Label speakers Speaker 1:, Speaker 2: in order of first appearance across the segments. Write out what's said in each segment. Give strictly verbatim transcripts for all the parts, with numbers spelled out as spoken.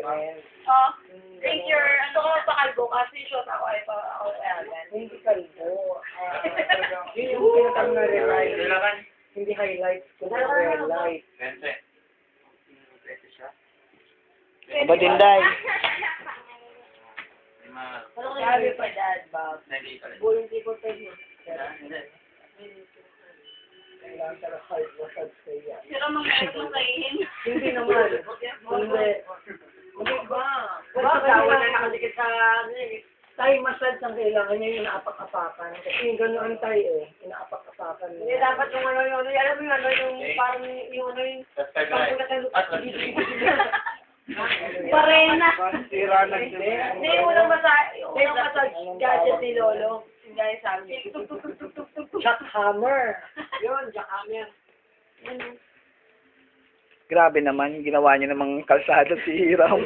Speaker 1: friend.
Speaker 2: Oh, take your, ano ko pakalbo kasi shot ako ay pa ako ayan.
Speaker 1: Hindi kalbo. Ah, yun yung pinatang na realize. Hindi highlights ko na real life.
Speaker 3: Ba din, Day?
Speaker 2: Sabi pa dad, Bob. Buling tipo tayo.
Speaker 1: Kailangan talaga hard massage ko yan.
Speaker 2: Sira mga ito kainin.
Speaker 1: Hindi naman. Hindi. Hindi ba?
Speaker 2: Ba, gawin na nakadikit sa ano eh.
Speaker 1: Thai massage ang kailangan niya yung inaapak-apakan. Kasi yung ganoon tayo eh. Inaapak-apakan
Speaker 2: Hindi
Speaker 1: niya.
Speaker 2: dapat yung ano yung ano, alam mo yung ano yung parang yung ano yung pagkulat ng Parena.
Speaker 1: Sira na
Speaker 2: Hindi, yung unang massage, yung unang massage gadget ni Lolo. Yung gaya sabi. Tuk tuk tuk tuk tuk tuk tuk.
Speaker 1: jackhammer.
Speaker 2: Yun, jackhammer.
Speaker 3: Grabe naman, ginawa niyo namang kalsada si Hiram.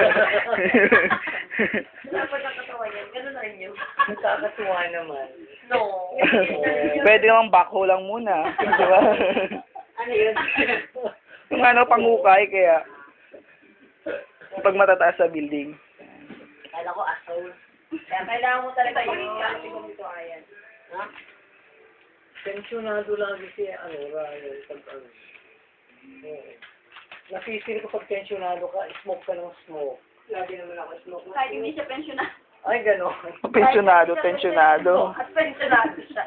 Speaker 2: Dapat nakatawa yan. Ganun na rin yun.
Speaker 1: Nakakatuwa naman.
Speaker 2: No.
Speaker 3: Pwede namang backhoe lang muna. Di ba?
Speaker 2: Ano yun?
Speaker 3: Yung ano, pangukay, kaya pag matataas sa building.
Speaker 2: Kala ko asshole. Kaya kailangan mo talaga yung kasi kung ito ayan. Ha?
Speaker 1: Tensyonado lagi si ano, Ryan. Pag ano. Oo. Napisil ko pag tensyonado ka, smoke ka ng smoke.
Speaker 2: Lagi naman ako smoke. Kahit hindi siya pensioner.
Speaker 1: Ay, gano'n.
Speaker 3: Pensionado, tensionado.
Speaker 2: At pensionado siya.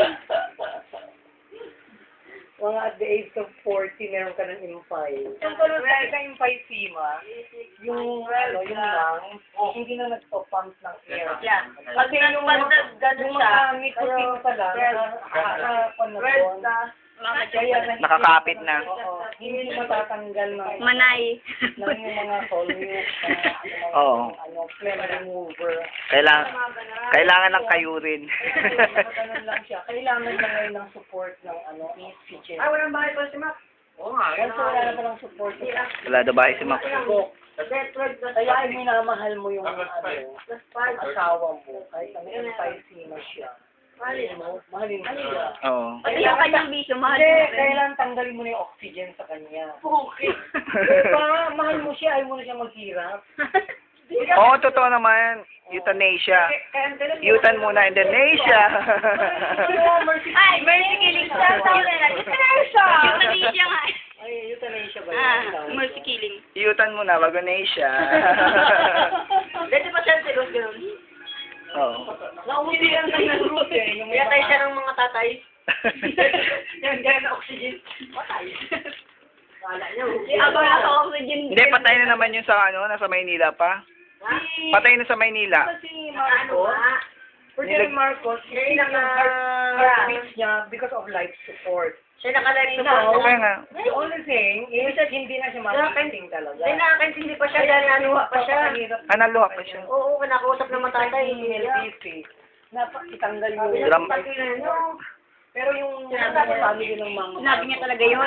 Speaker 1: Mga at the age of forty, meron ka ng impay.
Speaker 2: Yung tulad
Speaker 1: Meron ka impay sima, yung, ano, yung lungs, hindi na nagpo-pump ng air.
Speaker 2: Yeah.
Speaker 1: Kasi yung,
Speaker 2: Pag nag-gano
Speaker 1: yung
Speaker 2: siya,
Speaker 1: mga nicotine pa lang, nakakapan na doon. Kaya na-
Speaker 3: Nakakapit na.
Speaker 1: Oo, hindi matatanggal ng,
Speaker 4: Manay.
Speaker 1: ng yung mga solute, mga,
Speaker 3: Oo.
Speaker 1: ano, phlegm remover.
Speaker 3: Kailangan, kailangan ng kayurin.
Speaker 1: Ganun lang siya. Kailangan lang ngayon ng support ng ano, oxygen.
Speaker 2: Ay, walang bahay pa si Mac. Oo nga.
Speaker 1: Once wala na palang support,
Speaker 3: Wala daw ba si Mac?
Speaker 2: Network plus
Speaker 1: kaya
Speaker 2: five.
Speaker 1: minamahal mo yung ano,
Speaker 2: Plus five.
Speaker 1: asawa mo. Kahit ano yung na siya.
Speaker 2: Mahalin mo.
Speaker 1: Mahalin mo siya.
Speaker 3: Oo.
Speaker 4: Pati yung kanyang bisyo, mahal
Speaker 1: Hindi,
Speaker 4: mo rin.
Speaker 1: kailangan tanggalin mo na yung oxygen sa kanya.
Speaker 2: Okay.
Speaker 1: Diba? Mahal mo siya, ayaw mo na siya maghirap.
Speaker 3: Oo, totoo naman. Euthanasia. Eutan muna, Indonesia.
Speaker 4: Ay, mercy killing siya.
Speaker 2: Euthanasia!
Speaker 4: Euthanasia nga.
Speaker 1: Ay, euthanasia ba
Speaker 4: Ah,
Speaker 1: yun?
Speaker 4: mercy killing.
Speaker 3: Eutan muna, bago Asia.
Speaker 2: Dito pa siya si Rose ganun.
Speaker 3: Oo.
Speaker 1: Nauwi lang tayo ng root eh. Yung
Speaker 2: Kaya tayo siya ng mga tatay. Yan, gaya na oxygen. Patay. Kala niya.
Speaker 4: Di ako naka-oxygen.
Speaker 3: Hindi, patay na naman yun sa ano, nasa Maynila pa. Patay na sa Maynila.
Speaker 1: si
Speaker 2: Ano
Speaker 1: Marcos,
Speaker 2: nga?
Speaker 1: Ferdinand Marcos,
Speaker 2: Siya
Speaker 1: hindi
Speaker 2: yung
Speaker 1: yung
Speaker 2: naka-
Speaker 1: heart, heartbeat niya because of life support.
Speaker 2: Siya nakalive na
Speaker 1: Now,
Speaker 3: Kaya nga.
Speaker 1: The only thing is hindi na siya makakiting talaga.
Speaker 2: Hindi nakakaintindi pa siya dahil nanuha pa siya.
Speaker 3: Ah, naluha pa siya.
Speaker 2: Oo, kinakausap ng mga tatay.
Speaker 1: N L P C. Napakitanggal yung...
Speaker 3: Gram-
Speaker 1: Pero yung sabi yun ng mga...
Speaker 4: Sinabi niya talaga yun?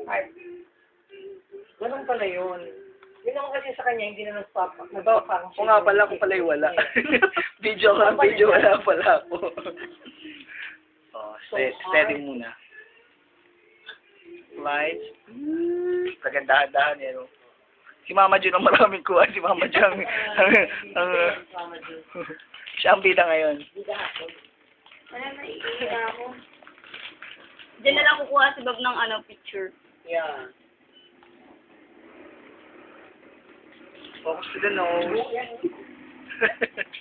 Speaker 1: Ganun pala yun. Yun naman kasi sa kanya, hindi na nag-stop. Nag-function.
Speaker 3: Oo nga pala, kung pala'y wala. Video ka, video wala pala ako. Oh, ste- steady muna. Slides. Kagandahan-dahan yan. Oh. Si Mama Jun ang maraming kuha. Si Mama Jun ang... ang, ang siya ang bida ngayon.
Speaker 4: Wala na, iiya ako. Diyan na lang kukuha si Bob ng ano, picture.
Speaker 1: Yeah.
Speaker 3: Focus to the nose.